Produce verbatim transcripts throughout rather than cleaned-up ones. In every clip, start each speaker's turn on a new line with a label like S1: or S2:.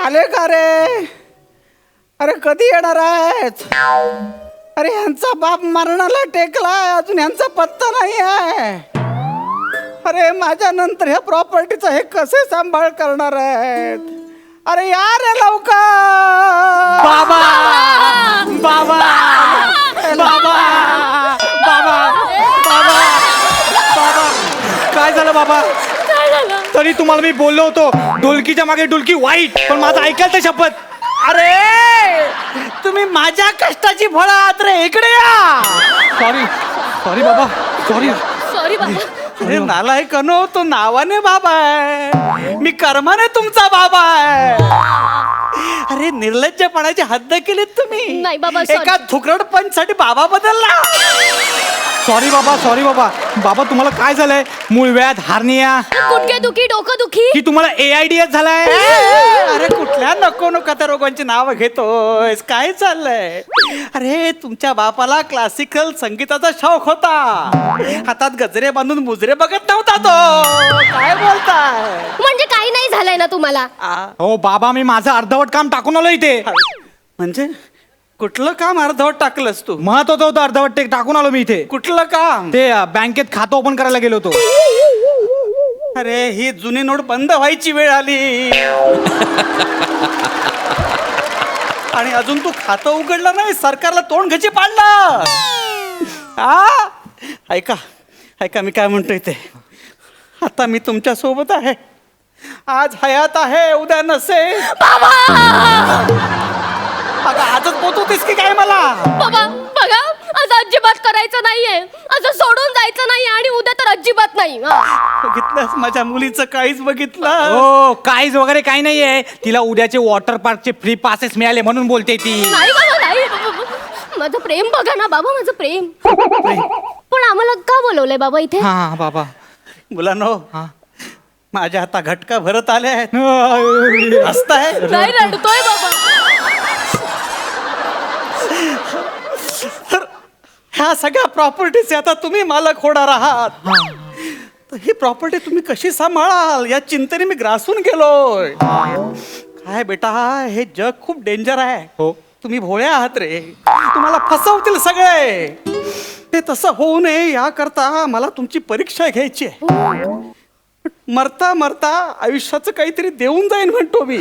S1: आले का रे? अरे कधी येणार आहेत? अरे यांचा बाप मरणाला टेकलाय, अजून यांचा पत्ता नाही आहे. अरे माझ्या नंतर ह्या प्रॉपर्टीचा हे कसे सांभाळ करणार आहेत? अरे या रे लवकर.
S2: बाबा बाबा बाबा बाबा बाबा बाबा काय झालं बाबा? तरी तुम्हाला मी बोललो होतो ढोलकीच्या मागे ढोलकी वाईट, पण माझं ऐकाल तर शपथ.
S1: अरे तुम्ही माझ्या कष्टाची फळं आहात रे, इकडे या.
S2: सॉरी सॉरी बाबा सॉरी
S3: सॉरी बाबा.
S1: अरे नालायकनो, तो नावाने बाबा आहे, मी कर्माने तुमचा बाबा आहे. अरे निर्लज्जपणाची हद्द केलीत तुम्ही.
S3: नाही बाबा, sorry.
S1: एका थुकरड पंच साठी बाबा बदलला.
S2: सॉरी बाबा सॉरी बाबा. बाबा तुम्हाला काय झालंय? मूळव्याध, हार्निया
S3: गुडघे दुखी, डोकं दुखी.
S2: की तुम्हाला ए आय डी एस झालाय?
S1: अरे कुठल्या नको नको त्या रोगांची नावं घेतोयस? काय चाललंय? अरे तुमच्या बापाला क्लासिकल संगीताचा शौक होता, हातात गजरे बांधून मुजरे बघत नव्हता तो. काय बोलताय?
S3: म्हणजे काही नाही झालंय ना तुम्हाला?
S1: आ,
S2: हो बाबा, मी माझं अर्धवट काम टाकून आलो इथे.
S1: म्हणजे कुठलं काम अर्धवट टाकलंस तू?
S2: महत्वाचं होतं अर्धवट ते टाकून आलो मी इथे.
S1: कुठलं काम?
S2: ते अ, बँकेत खातं ओपन करायला गेलो होतो.
S1: अरे ही जुनी नोट बंद व्हायची वेळ आली आणि अजून तू खातं उघडलं नाही, सरकारला तोंड घची पाडलं. हा ऐका ऐका मी काय म्हणतोय ते. आता मी तुमच्या सोबत आहे, आज हयात आहे उद्या नसे. अगं आजच पोचवतेस की काय मला?
S3: बाबा बघा, आज अजिबात करायचं नाहीये, असं सोडून जायचं नाही, आणि उद्या तर अजिबात नाही. हा.
S1: बघितलंस माझ्या मुलीचं काहीच बघितलं?
S2: हो काहीच वगैरे काही नाहीये. तिला उद्याचे वॉटर पार्कचे फ्री पासेस मिळाले म्हणून बोलते ती.
S3: नाही बाबा नाही. माझं प्रेम बघा ना बाबा, माझं प्रेम. पण आम्हाला का बोलवलंय बाबा इथे?
S2: हा हा, बाबा
S1: मुलांनो,
S2: हा.
S1: माझ्या आता घटका भरत आले आहेत. हसताय?
S3: नाही रडतोय बाबा.
S1: तर ह्या सगळ्या प्रॉपर्टीचे आता तुम्ही मालक होणार आहात. तर ही प्रॉपर्टी तुम्ही कशी सांभाळाल या चिंतेने मी ग्रासून गेलोय. काय बेटा, हे जग खूप डेंजर आहे.
S2: हो.
S1: तुम्ही भोळ्या आहात रे, तुम्हाला फसवतील सगळे. ते तसं होऊ नये याकरता मला तुमची परीक्षा घ्यायची आहे. मरता मरता आयुष्याचं काहीतरी देऊन जाईन म्हणतो मी.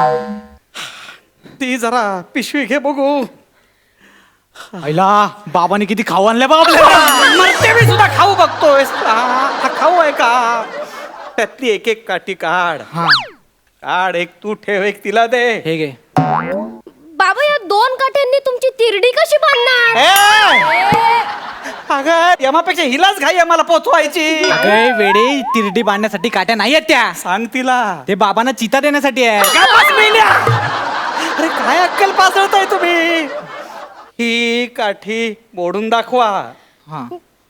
S1: ती जरा पिशवी घे बघू.
S2: आईला बाबाने किती खाऊ आणलं बाबा.
S1: मरते मी सुद्धा खाऊ बघतोय. हा खाऊ आहे का? त्यातली एक एक काठी काढ.
S2: हा
S1: काढ, एक तू ठेव, एक तिला दे.
S2: हे घे.
S3: बाबा या दोन काठ्यांनी तुमची तिरडी कशी बांधणार?
S1: ए! अगं यमापेक्षा हिलाच घाई आहे मला पोचवायची.
S2: अरे वेडे, तिरडी बांधण्यासाठी काट्या नाही आहेत त्या.
S1: सांग तिला.
S2: ते बाबांना चिता देण्यासाठी आहे.
S1: का पाच मेल्या? अरे काय अक्कल पासळताय तुम्ही? ही काठी मोडून दाखवा.
S2: हा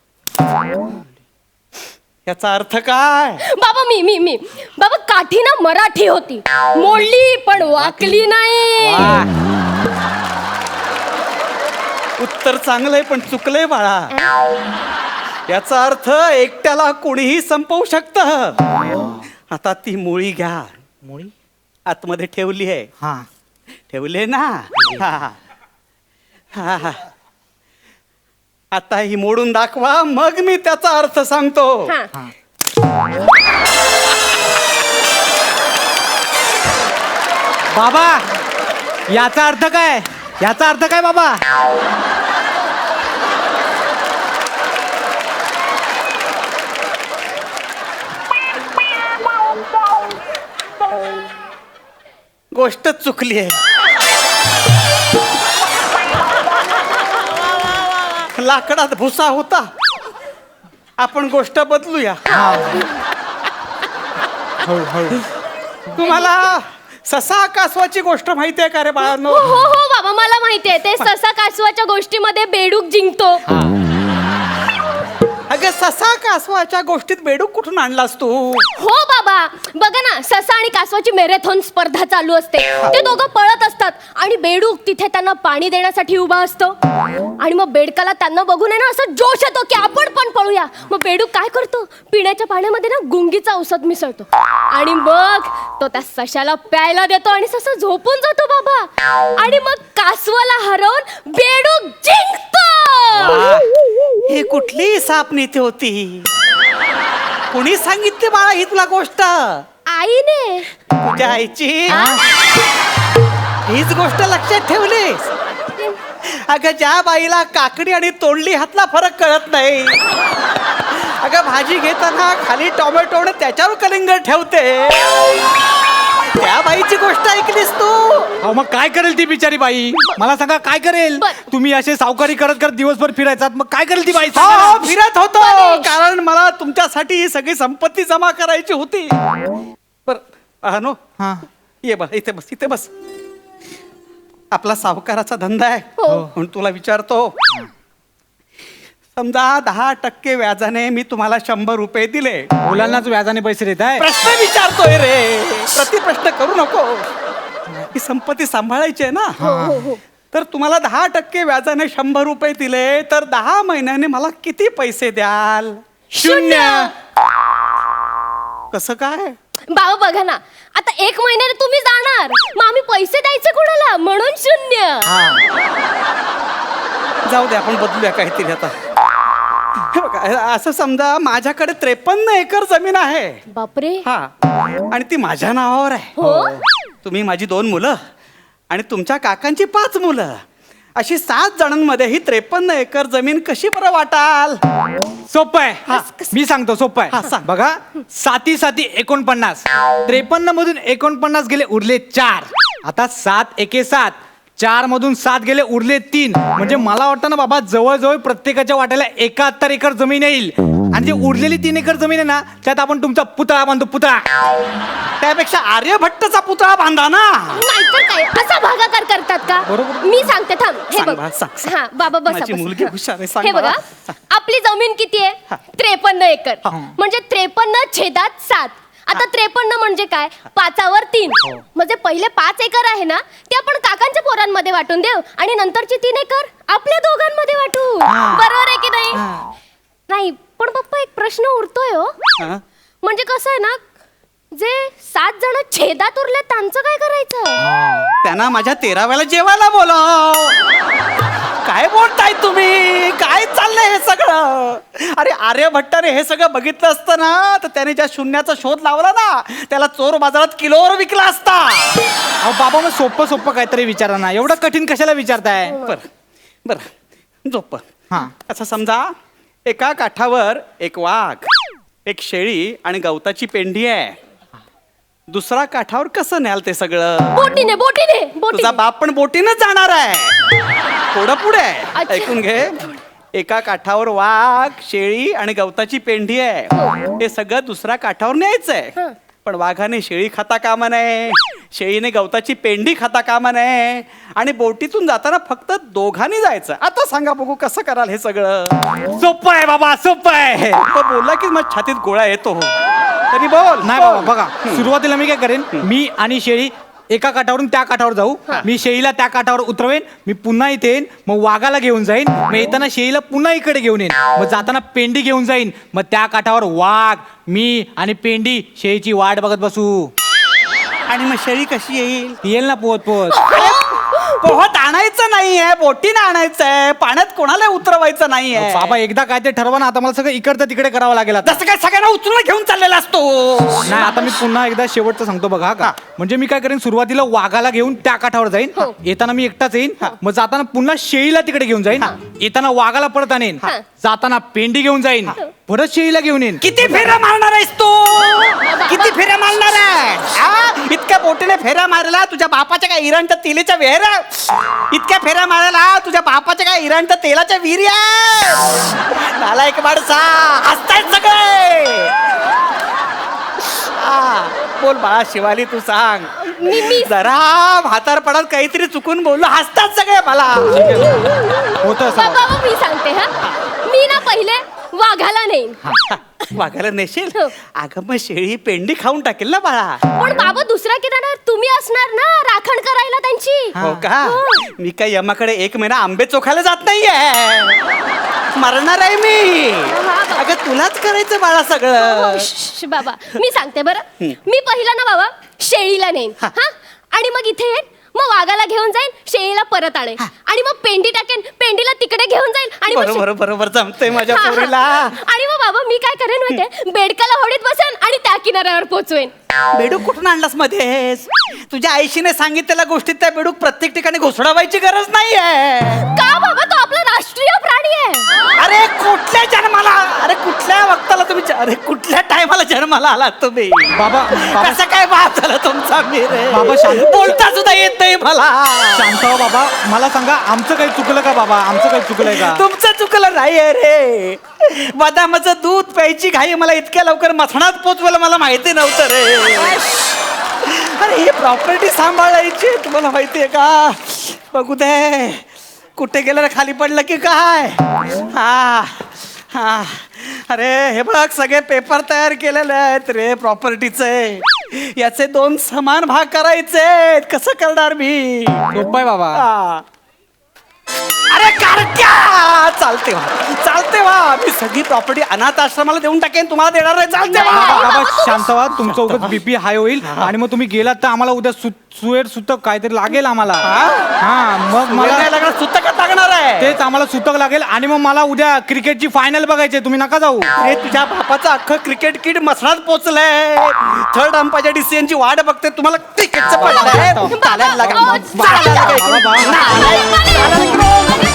S1: याचा अर्थ काय?
S3: बाबा मी मी मी बाबा, काठी ना मराठी होती, मोडली पण वाकली नाही.
S1: उत्तर चांगलंय पण चुकलंय बाळा. याचा अर्थ एकट्याला कोणीही संपवू शकत. आता ती मुळी घ्या.
S2: मुळी
S1: आतमध्ये ठेवली आहे.
S2: हा
S1: ठेवले ना? हा हा हा. आता ही मोडून दाखवा, मग मी त्याचा अर्थ सांगतो.
S3: हा.
S2: बाबा याचा अर्थ काय? याचा अर्थ काय बाबा?
S1: गोष्ट चुकली आहे. लाकडात भुसा होता, आपण गोष्ट बदलूया. तुम्हाला ससा कासवाची गोष्ट माहिती आहे का रे बाळांनो?
S3: हो हो हो बाबा, मला माहितीये ते ससा कासवाच्या गोष्टीमध्ये बेडूक जिंकतो.
S1: अगं ससा कासवाच्या गोष्टीत बेडूक कुठून आणलास तू?
S3: हो बाबा, बघा ना, ससा आणि कासवाची मॅरेथॉन स्पर्धा चालू असते. ते दोघं पळत असतात आणि बेडूक तिथे त्यांना पाणी देण्यासाठी उभा असतो. आणि मग बेडकाला त्यांना बघून आहे ना असं जोश येतो की आपण पण पळूया. मग बेडूक काय करतो, पिण्याच्या पाण्यामध्ये ना गुंगीचा औषध मिसळतो आणि मग तो त्या सशाला प्यायला देतो आणि ससा झोपून जातो बाबा. आणि मग कासवाला हरवून बेडूक जिंकतो.
S1: वा, ही कुठली साप नीती होती? कुणी सांगितली बाळा ही तुला गोष्ट?
S3: आईने.
S1: तुझ्या आईची हीच गोष्ट लक्षात ठेवलीस? अगं ज्या बाईला काकडी आणि तोंडली हातला फरक कळत नाही, अगं भाजी घेताना खाली टोमॅटो आणि त्याच्यावर कलिंगड ठेवते, त्या बाईची गोष्ट ऐकलीस तू?
S2: अहो मग काय करेल ती बिचारी बाई? मला सांगा काय करेल?
S3: बर.
S2: तुम्ही असे सावकारी करत करत दिवसभर फिरायचात, मग काय करेल ती बाई?
S1: हो,
S2: सांगा
S1: हो,
S2: ना.
S1: फिरत होतो
S3: परेश.
S1: कारण मला तुमच्यासाठी ही सगळी संपत्ती जमा करायची होती. बर अनो,
S2: हा.
S1: ये बस इथे बस इथे बस. आपला सावकाराचा धंदा आहे
S3: हो.
S1: म्हणून तुला विचारतो. समजा दहा टक्के व्याजाने मी तुम्हाला शंभर रुपये दिले.
S2: मुलांनाच व्याजाने पैसे देत आहे.
S1: प्रश्न विचारतोय रे, प्रतिप्रश्न करू नको. ही संपत्ती सांभाळायची आहे ना.
S3: हो हो हो.
S1: तर तुम्हाला दहा टक्के व्याजाने शंभर रुपये दिले तर दहा महिन्याने मला किती पैसे द्याल?
S3: शून्य.
S1: कसं काय?
S3: बाबा बघा ना, आता एक महिन्याने तुम्ही जाणार, मग आम्ही पैसे द्यायचे कोणाला? म्हणून शून्य.
S1: जाऊ दे, आपण बदलूया काहीतरी आता. हे बघा, असं समजा माझ्याकडे त्रेपन्न एकर जमीन आहे.
S3: बापरे.
S1: हा, आणि ती माझ्या नावावर आहे.
S3: हो.
S1: तुम्ही माझी दोन मुलं आणि तुमच्या काकांची पाच मुलं, अशी सात जणांमध्ये ही त्रेपन्न एकर जमीन कशी बरं वाटाल?
S2: सोपं आहे.
S1: हा.
S2: मी सांगतो सोपं
S1: हा,
S2: आहे.
S1: सांग.
S2: बघा, साती साती एकोणपन्नास, त्रेपन्न मधून एकोणपन्नास गेले उरले चार. आता सात एके सात, चार मधून सात गेले उरले तीन. म्हणजे मला वाटतं ना बाबा, जवळजवळ प्रत्येकाच्या वाट्याला एकाहत्तर एकर जमीन येईल. आणि जी उरलेली तीन एकर जमीन आहे ना, त्यात आपण तुमचा पुतळा बांधू. पुतळा.
S1: त्यापेक्षा आर्यभट्टचा पुतळा बांधा ना.
S3: नाहीतर काय, असा भागाकार करतात का?
S2: बरोबर.
S3: मी सांगते, थांब. हे
S1: सांग
S3: बघ.
S1: बा, सांग, सांग.
S3: हा बाबा बसा,
S1: माझी
S3: बसा.
S1: मुलगी हुशार आहे, सांग
S3: हे
S1: मला.
S3: बघा,
S1: सांग.
S3: आपली जमीन किती आहे?
S1: हा.
S3: त्रेपन्न एकर.
S1: हा.
S3: म्हणजे त्रेपन्न छेदात सात. आता त्रेपन्न म्हणजे काय? पाचावर तीन. म्हणजे पहिले पाच एकर आहे ना, ते आपण काकांच्या पोरांमध्ये वाटून देऊ आणि नंतरची तीन एकर आपल्या दोघांमध्ये वाटू. बरोबर आहे की नाही? नाही पण पप्पा, एक प्रश्न उरतोय हो.
S1: हा?
S3: म्हणजे कसं आहे ना, जे सात जण छेदात उरले त्यांचं काय करायचं?
S1: त्यांना माझ्या तेराव्याला जेवायला बोलाव. काय बोलताय तुम्ही? काय चाललंय हे सगळं? अरे आर्यभट्टाने हे सगळं बघितलं असतं ना, तर त्याने ज्या शून्याचा शोध लावला ना, त्याला चोर बाजारात किलोवर विकला असता.
S2: अहो बाबा, मग सोपं सोपं काहीतरी विचारा ना. एवढं कठीण कशाला विचारताय?
S1: बर बर झोप.
S2: हा.
S1: असं समजा, एका काठावर एक वाघ, एक शेळी आणि गवताची पेंढी आहे. दुसरा काठावर कसं न्याल ते सगळं?
S3: बोटीने बोटीने
S1: तुझा
S3: बोटीने.
S1: बाप पण बोटीनच जाणार आहे. थोडं पुढे आहे.
S3: अच्छा.
S1: ऐकून घे. एका काठावर वाघ, शेळी आणि गवताची पेंढी आहे. हे सगळं दुसऱ्या काठावर न्यायचंय.
S3: हं.
S1: पण वाघाने शेळी खाता कामा नये, शेळीने गवताची पेंढी खाता कामा नये, आणि बोटीतून जाताना फक्त दोघांनी जायचं. आता सांगा बघू कसं कराल हे सगळं?
S2: सोपं आहे बाबा, सोपं आहे.
S1: तो बोलला की माझ्या छातीत गोळा येतो. तरी बोल.
S2: नाही बाबा, बघा, सुरुवातीला मी काय करेन, मी आणि शेळी एका काठावरून त्या काठावर जाऊ. मी शेळीला त्या काठावर उतरवेन. मी पुन्हा इथे येईन, मग वाघाला घेऊन जाईन. मग येताना शेळीला पुन्हा इकडे घेऊन येईन. मग जाताना पेंडी घेऊन जाईन. मग त्या काठावर वाघ, मी आणि पेंडी शेळीची वाट बघत बसू.
S1: आणि मग शेळी कशी येईल?
S2: येईल ना पोहत पोहत.
S1: पोहत आणायचं नाहीये, बोटीनं आणायचंय. पाण्यात कोणाला उतरवायचं नाहीये.
S2: बाबा, एकदा काय ते ठरवा ना. आता मला सगळं इकडचं तिकडे करावं लागेल आता.
S1: जसं काय सगळ्यांना उचलून घेऊन चाललेला असतो.
S2: नाही, आता मी पुन्हा एकदा शेवटचं सांगतो बघा का. म्हणजे मी काय करेन, सुरुवातीला वाघाला घेऊन त्या काठावर जाईन.
S3: हो.
S2: येताना मी एकटाच येईन. मग जाताना पुन्हा शेळीला तिकडे घेऊन जाईन. येताना वाघाला परत आणेन.
S3: हा.
S2: जाताना पेंडी घेऊन जाईन. परत शेळीला घेऊन येईन.
S1: किती फेऱ्या मारणार आहेस तू? किती फेऱ्या मारणार आहे? हा? इतक्या बोटीने फेऱ्या मारला तुझ्या बापाच्या काय इराणच्या तेलाच्या विहिऱ्या? इतक्या फेऱ्या मारायला तुझ्या बापाच्या काय इराणच्या तेलाच्या विहिऱ्या? झाला एक माणसा, हसतायत सगळे. हा, बोल बाळा शिवाली, तू सांग.
S3: मी मी
S1: जरा म्हातारपणात काहीतरी चुकून बोललो, हसतात सगळे मला.
S2: होतं असं
S3: बाबा
S2: बाबा.
S3: बाबा, मी सांगते. हा, मी ना पहिले वाघाला नेईन.
S1: वाघाला नेशील?
S3: हो.
S1: अगं मग शेळी पेंडी खाऊन टाकेल ना बाळा.
S3: पण बाबा दुसरा किनारा तुम्ही असणार ना राखण करायला त्यांची.
S1: हो का?
S3: हो.
S1: मी काय यमाकडे एक महिना आंबे चोखायला जात नाहीये. मरणार आहे मी. अगं तुलाच करायचं बाळा
S3: हो,
S1: सगळं.
S3: श्श, बाबा मी सांगते बरं. मी पहिला ना बाबा शेळीला नेईन.
S1: हा.
S3: हा आणि मग इथे येईन, मग वाघाला घेऊन जाईन, शेळीला परत आणेन आणि मग पेंडी टाकेन, पेंडीला तिकडे घेऊन जाईन आणि मग शे-
S1: बरोबर बरोबर जमतंय माझ्या
S3: हा, हा.
S1: पोरीला.
S3: आणि मग बाबा मी काय करेन माहितीये, बेडकाला होडीत बसेन आणि त्या किनाऱ्यावर पोचवेन.
S1: बेडूक कुठून आणलास मध्येस? तुझ्या आईशीने सांगितलेल्या गोष्टीत त्या बेडूक प्रत्येक ठिकाणी घुसडावायची गरज नाहीये.
S3: का बाबा तो आपला राष्ट्रीय प्राणी आहे.
S1: अरे कुठल्या जन्माला, अरे कुठल्या वक्ताला तुम्ही, अरे कुठल्या टायमाला जन्माला आलात तुम्ही?
S2: बाबा बाबा
S1: कसं काय बाप झाला तुमचा मी रे?
S2: बाबा, शांत-
S1: बोलता सुद्धा येत नाही मला.
S2: शांत हो बाबा, मला सांगा आमचं काही चुकलं का बाबा? आमचं काही चुकलंय का?
S1: तुमचं चुकलं नाहीये रे. बदामाचं दूध प्यायची घाई मला इतक्या लवकर मथणात पोचवायला मला माहिती नव्हतं रे. अरे ही प्रॉपर्टी सांभाळायची तुम्हाला माहितीये का? बघू दे कुठे गेलं रे, खाली पडलं की काय? हा हा अरे हे बघ सगळे पेपर तयार केलेले आहेत रे प्रॉपर्टीचे. याचे दोन समान भाग करायचे. कसं करणार मी?
S2: सोपं आहे बाबा.
S1: हा. अरे कारक्या, चालते वा चालते वा मी सगळी प्रॉपर्टी अनाथ आश्रमाला देऊन टाकेन, तुम्हाला देणार नाही. चालते
S2: बाबा
S1: वा.
S2: बाबा शांत व्हा, तुमचं उगाच बीपी हाय होईल आणि मग तुम्ही गेलात तर आम्हाला उद्या सु सुएर सुतक काहीतरी लागेल आम्हाला. हा मग
S1: मला
S2: मला
S1: लागणार, सुतकच लागणार आहे.
S2: तेच आम्हाला सुतक लागेल आणि मग मला उद्या क्रिकेटची फायनल बघायची आहे. तुम्ही नका जाऊ.
S1: हे तुझ्या बापाचं अख्खं क्रिकेट किट मसणात पोचलंय. थर्ड अंपायरच्या डिसिजन ची वाट बघते. तुम्हाला क्रिकेटचं पडलंय. चालायला लागा.
S3: बाबा,
S1: चालायला लागा.
S2: बाबा, बाबा.
S1: चालायला लागा.